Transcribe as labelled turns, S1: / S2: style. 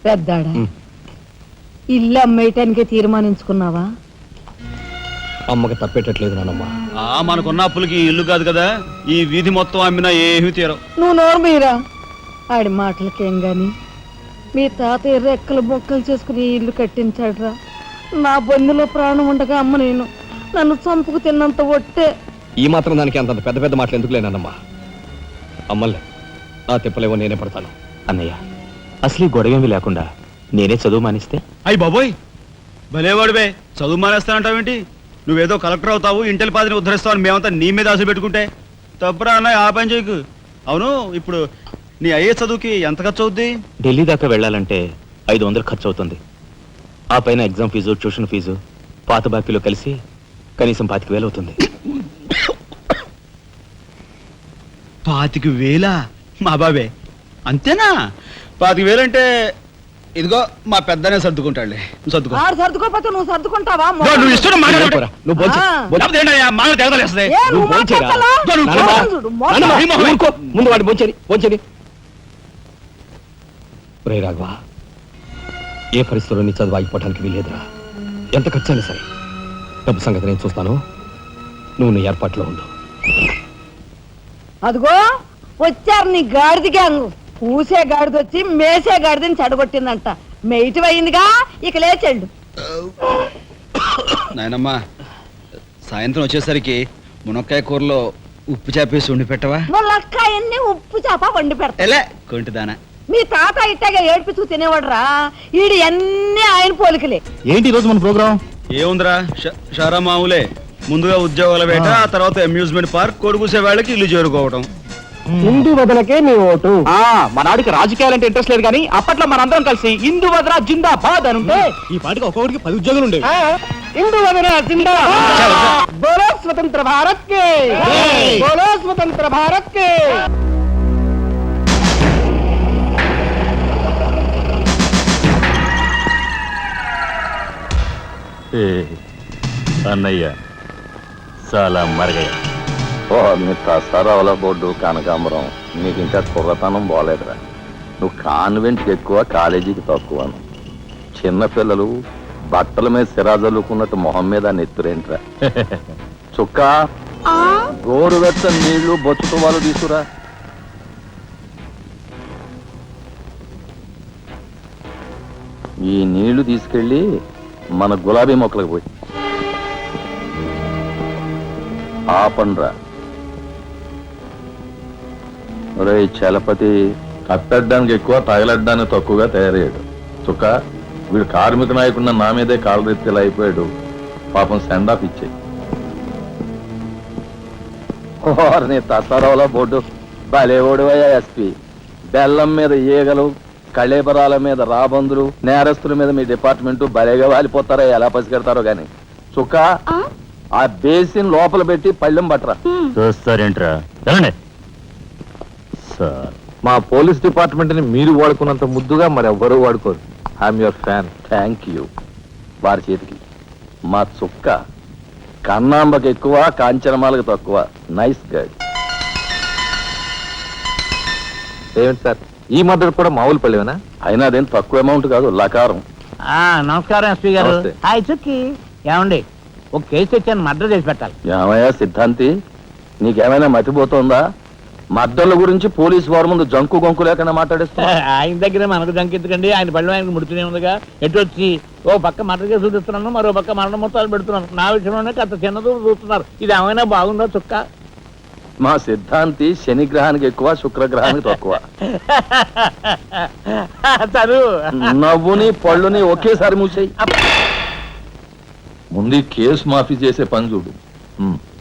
S1: పెద్దాడా ఇల్లు అమ్మేయటానికి తీర్మానించుకున్నావా?
S2: అమ్మకి తప్పేటట్లేదు నానమ్మా.
S3: మనకున్న అప్పులకి ఇల్లు కాదు కదా, ఈ వీధి మొత్తం అమ్మినా ఏమీ తీరం.
S1: నువ్వు నోరు మీరా. ఆడి మాటలకేం గాని మీ తాతయ్య రెక్కలు బొక్కలు చేసుకుని ఇల్లు కట్టించాడురా. నా బొందులో ప్రాణం ఉండగా అమ్మ నేను నన్ను చంపుకు తిన్నంత ఒట్టే.
S2: ఈ మాత్రం దానికి అంత పెద్ద పెద్ద మాటలు ఎందుకు లేనమ్మా? అమ్మలే ఆ తిప్పలేవో నేనే పడతాను.
S4: అన్నయ్య, అసలు గొడవేమి లేకుండా నేనే చదువు మానిస్తే?
S3: అయ్యి బాబోయ్, భలేవాడివే, చదువు మానేస్తానంటావేంటి? నువ్వేదో కలెక్టర్ అవుతావు, ఇంటెల్ పాదిని ఉద్ధరిస్తావు అని మేమంతా నీ మీద ఆశ పెట్టుకుంటే తప్పురా అన్న. ఆ పని చేయకు. అవును, ఇప్పుడు నీ అయ్యే చదువుకి ఎంత ఖర్చు అవుద్ది?
S4: ఢిల్లీ దాకా వెళ్ళాలంటే 500 ఖర్చు అవుతుంది. ఆ పైన ఎగ్జామ్ ఫీజు, ట్యూషన్ ఫీజు, పాత బాకీలో కలిసి కనీసం 25,000 అవుతుంది.
S3: 25,000? మా బాబే అంతేనా? 25,000 అంటే ఇదిగో మా పెద్దనే సర్దుకుంటాడులే. సర్దుకో.
S1: సర్దుకోపోతే నువ్వు సర్దుకుంటావా?
S3: నువ్వు ఇష్టం మాట్లాడరా.
S2: నువ్వు ముందు వాడి బొంచేది. రే రాఘవ, ఏ పరిస్థితుల్లో నీ చదువు ఆగిపోవటానికి వీలేదురా. ఎంత ఖర్చైనా సరే డబ్బు సంగతి నేను చూస్తాను. నువ్వు నీ ఏర్పాట్లో ఉండు.
S1: అదిగో వచ్చారు నీ గాడిద గ్యాంగ్. పూసే గాడిద వచ్చి మేసే గాడిదని చెడగొట్టిందంట. మెయిటివ్ అయిందిగా, ఇక లేచండు.
S3: నాయనమ్మా, సాయంత్రం వచ్చేసరికి మునక్కాయ కూరలో ఉప్పు చేపేసి వండి పెట్టవా?
S1: మునక్కాయన్ని ఉప్పు చేప వండి పెడతా.
S3: ఎలా కొంటిదానా?
S1: మీ తాత ఇట్టగా ఏడ్పిస్తూ తినేవాడురా. ఈడు అన్ని ఆయన పోలికలే.
S4: ఏంటి ఈరోజు మన ప్రోగ్రామ్?
S3: ఏముందిరా, షారా మామూలే. ముందుగా ఉద్యోగాల వేట, ఆ తర్వాత అమ్యూజ్మెంట్ పార్క్, కొడుకుసే వాళ్ళకి ఇల్లు చేరుకోవడం.
S2: హిందూ వదలకే నీ ఓటు.
S4: మన ఆడికి రాజకీయాలంటే ఇంట్రెస్ట్ లేదు కానీ అప్పట్లో మనందరం కలిసి హిందూ వదల జిందాబాద్ అని ఉంటే
S2: ఈ పాటికి ఒక్కొక్కడికి 10 ఉద్యోగాలు ఉండేవి.
S1: హిందూ వదల జిందాబాద్. బోలో స్వతంత్ర భారత్ కే, బోలో స్వతంత్ర భారత్ కే.
S4: అన్నయ్య చాలా మరగయ్య.
S5: మీ తసారావుల బోర్డు కనకాంబరం, నీకు ఇంకా కుర్రతనం పోలేదురా. నువ్వు కాన్వెంట్కి ఎక్కువ, కాలేజీకి తక్కువను. చిన్నపిల్లలు బట్టల మీద సిరాజల్లుకున్నట్టు మొహం మీద నెత్తురేంట్రా. చుక్క గోరువెచ్చని నీళ్లు బొచ్చుతో వాళ్ళు తీసుకురా. ఈ నీళ్లు తీసుకెళ్ళి మన గులాబీ మొక్కలకు పోయి ఆపండ్రా. ఒరే చలపతి, కట్టడానికి ఎక్కువ, తగలడ్డానికి తక్కువగా తయారయ్యాడు. చుక్క, వీడు కార్మిక నాయకుడిన నా మీదే కాలరెత్తిలా అయిపోయాడు. పాపం సెండాఫ్ ఇచ్చాయి. నీ తసారావుల బోర్డు భలేవోడువయ్యా ఎస్పీ. బెల్లం మీద ఈగలు, కళేబరాల మీద రాబందులు, నేరస్తుల మీద మీ డిపార్ట్మెంట్ భలేగా వాలిపోతారో, ఎలా పసిగడతారో గాని. చుక్క, ఆ బేసిన్ లోపల పెట్టి పళ్ళెం పట్టరా.
S4: చూస్తారేంట్రా? సార్,
S5: మా పోలీస్ డిపార్ట్మెంట్ ని మీరు వాడుకున్నంత ముద్దుగా మరి ఎవ్వరూ వాడుకోరు. I'm your fan. Thank you. వారి చేతికి మా చుక్క కన్నాంబకి ఎక్కువ, కాంచనమాలకు తక్కువ. Nice guide. ఏమిటి సార్, ఈ మద్దతు కూడా మామూలు పళ్ళేనా? అయినా అదేం తక్కువ అమౌంట్ కాదు, లకారం.
S6: నమస్కారం ఎస్పీ గారు. హాయ్ చుక్కి. ఏమండి, ఒక కేసు తెచ్చాను, మర్డర్ చేసి పెట్టాలి.
S5: ఏమయ్యా సిద్ధాంతి, నీకేమైనా మతిపోతుందా? మద్దళ్ళ గురించి పోలీసు వారి ముందు జంకు గొంకు లేకుండా మాట్లాడేస్తా.
S6: ఆయన దగ్గర మనకు జంకెత్తుకండి, ఆయన బళ్ళు ఆయనకు ముడుతూనే ఉందిగా. ఎటు వచ్చి ఓ పక్క మర్డర్ కేసు చూపిస్తున్నాను, మరో పక్క మరణ మొత్తాలు పెడుతున్నాను. నా విషయంలోనే అంత చిన్నదూ చూస్తున్నారు. ఇది ఏమైనా బాగుందో చుక్క?
S5: మా సిద్ధాంతి శనిగ్రహానికి ఎక్కువ, శుక్రగ్రహానికి తక్కువ. నవ్వుని పళ్ళుని ఒకేసారి మూసేయి. ముందు కేసు మాఫీ చేసే పని చూడు.